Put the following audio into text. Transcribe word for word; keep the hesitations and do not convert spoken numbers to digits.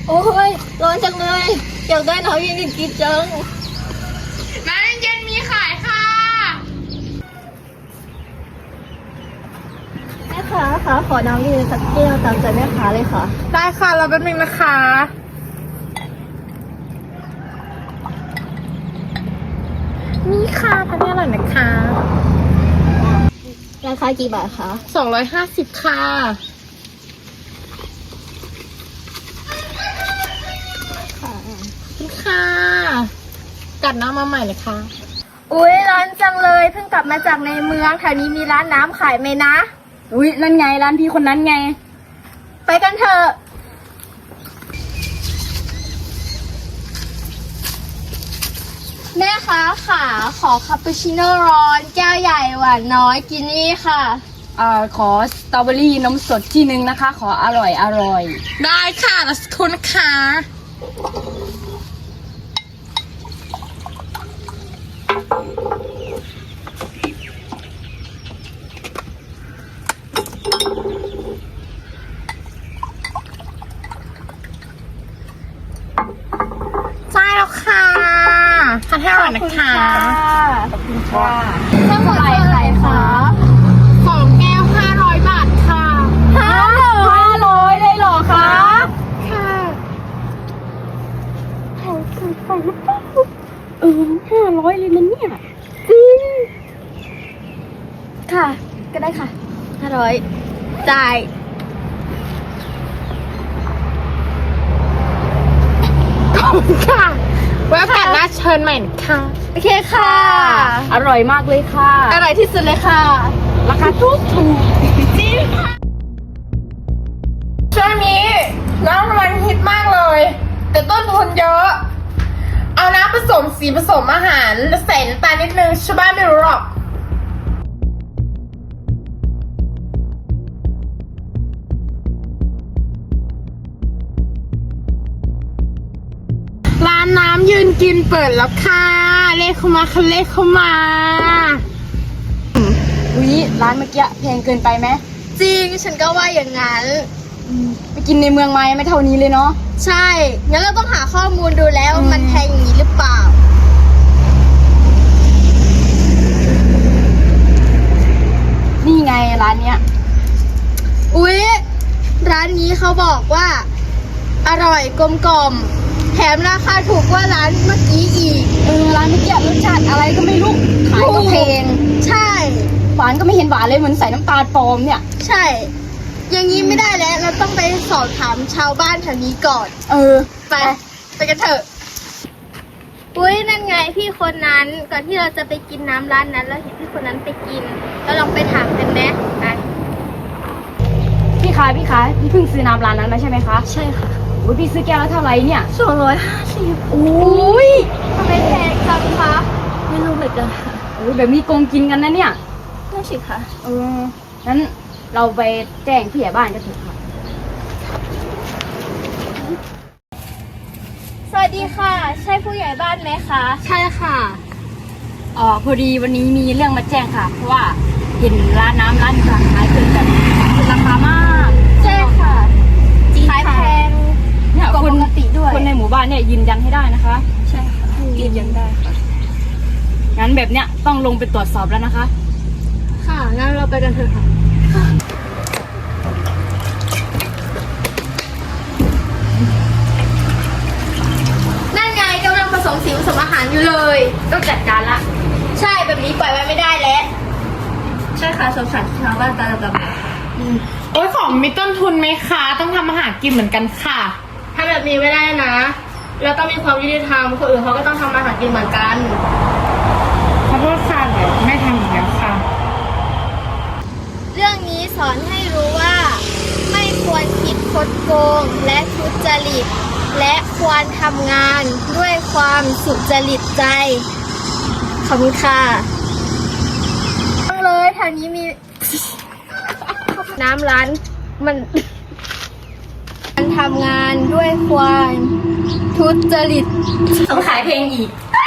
โอ้ยร้อนจังเลยอยากได้น้ำเย็นๆกินจังน้ำเย็นมีขายค่ะแม่ค้าคะขอน้ำเย็นสักแก้วตามใจแม่ค้าเลยค่ะได้ค่ะเราแป๊บนึงนะคะนี่ค่ะทานได้อร่อยนะคะราคากี่บาทคะสองร้อยห้าสิบค่ะค่ะค่ะกัดน้ำมาใหม่เลยค่ะอุ้ยร้านจังเลยเพิ่งกลับมาจากในเมืองแถวนี้มีร้านน้ำขายไหมนะอุ้ยนั่นไงร้านพี่คนนั้นไงไปกันเถอะแม่ค้าค่ะขอคาปูชิโน่ร้อนแก้วใหญ่หวานน้อยกินนี่ค่ะอ่าขอสตรอเบอรี่นมสดที่นึงนะคะขออร่อยอร่อยได้ค่ะแล้วสักครู่นะคะใช่แล้วค่ะทานให้อร่อยนะคะขอบคุณค่ะทั้งหมดเท่าไหร่คะสองแก้วห้าร้อยบาทค่ะห้าห้าร้อยเลยเหรอคะค่ะเออห้าร้อยเลยนะเนี่ยจริงค่ะก็ได้ค่ะห้าร้อยจ่ายขอบคุณค่ะไว้โอกาสหน้าเชิญใหม่นะคะโอเคค่ะอร่อยมากเลยค่ะอร่อยที่สุดเลยค่ะราคาถูกถูกจริงค่ะช่วงนี้น้ำมันฮิตมากเลยแต่ต้นทุนเยอะเอาน้ำผสมสีผสมอาหารแล้วใส่น้ำตาลนิดนึงชาวบ้านไม่รู้หรอกร้านน้ำยืนกินเปิดแล้วค่ะเลขเข้ามาค่ะเลขเข้ามาอุ้ยร้านเมื่อกี้แพงเกินไปไหมจริงฉันก็ว่าอย่างนั้นไปกินในเมืองไหมไม่เท่านี้เลยเนาะใช่งั้นเราต้องหาข้อมูลดูแล้วมันแพงอย่างนี้หรือเปล่านี่ไงร้านเนี้ยอุ๊ยร้านนี้เขาบอกว่าอร่อยกลมกล่อมแถมราคาถูกกว่าร้านเมื่อกี้อีกเออร้านเมื่อกี้รสชาติอะไรก็ไม่รู้ขายก็แพงใช่หวานก็ไม่เห็นหวานเลยเหมือนใส่น้ำตาลปลอมเนี่ยใช่อย่างนี้ไม่ได้แล้วเราต้องไปสอบถามชาวบ้านแถวนี้ก่อนเออไปไปกันเถอะอุ้ยนั่นไงพี่คนนั้นก่อนที่เราจะไปกินน้ำร้านนั้นเราเห็นพี่คนนั้นไปกินเราลองไปถามกันไหมไปพี่คะพี่คะพี่เพิ่งซื้อน้ำร้านนั้นมาใช่ไหมคะใช่ค่ะอุ้ยพี่ซื้อแก้วแล้วเท่าไหร่เนี่ยสองร้อยห้าสิบอุ้ยทำไมแพงจังคะไม่รู้เหมือนกันค่ะโอ้ยแบบนี้โกงกินกันนะเนี่ยนั่นสิค่ะเอองั้นเราไปแจ้งผู้ใหญ่บ้านกันเถอะค่ะสวัสดีค่ะใช่ผู้ใหญ่บ้านไหมคะใช่ค่ะอ๋อพอดีวันนี้มีเรื่องมาแจ้งค่ะเพราะว่าเห็นร้านน้ำร้านขายเกินแบบราคามากใช่ค่ะขายแพงเนี่ยคนปกติด้วยคนในหมู่บ้านเนี่ยยืนยันให้ได้นะคะใช่ค่ะยืนยันได้ค่ะงั้นแบบเนี้ยต้องลงไปตรวจสอบแล้วนะคะค่ะงั้นเราไปกันเถอะค่ะนั่นไงกำลังผสมสีผสมอาหารอยู่เลยต้องจัดการละใช่แบบนี้ปล่อยไว้ไม่ได้แล้วใช่ค่ะสงสารชาวบ้านตาดำโอ้ยของมีต้นทุนไหมคะต้องทำอาหารกินเหมือนกันค่ะถ้าแบบนี้ไม่ได้นะเราต้องมีความยุติธรรมคนอื่นเขาก็ต้องทำอาหารกินเหมือนกันขอโทษค่ะเดี๋ยวไม่ทำอีกแล้วค่ะเรื่องนี้สอนให้รู้ว่าไม่ควรคิดคดโกงและทุจริตและควรทำงานด้วยความสุจริตใจขอบคุณค่ะเลยแถวนี้มีน้ำร้านมันมันทำงานด้วยความทุจริตต้องขายเพลงอีก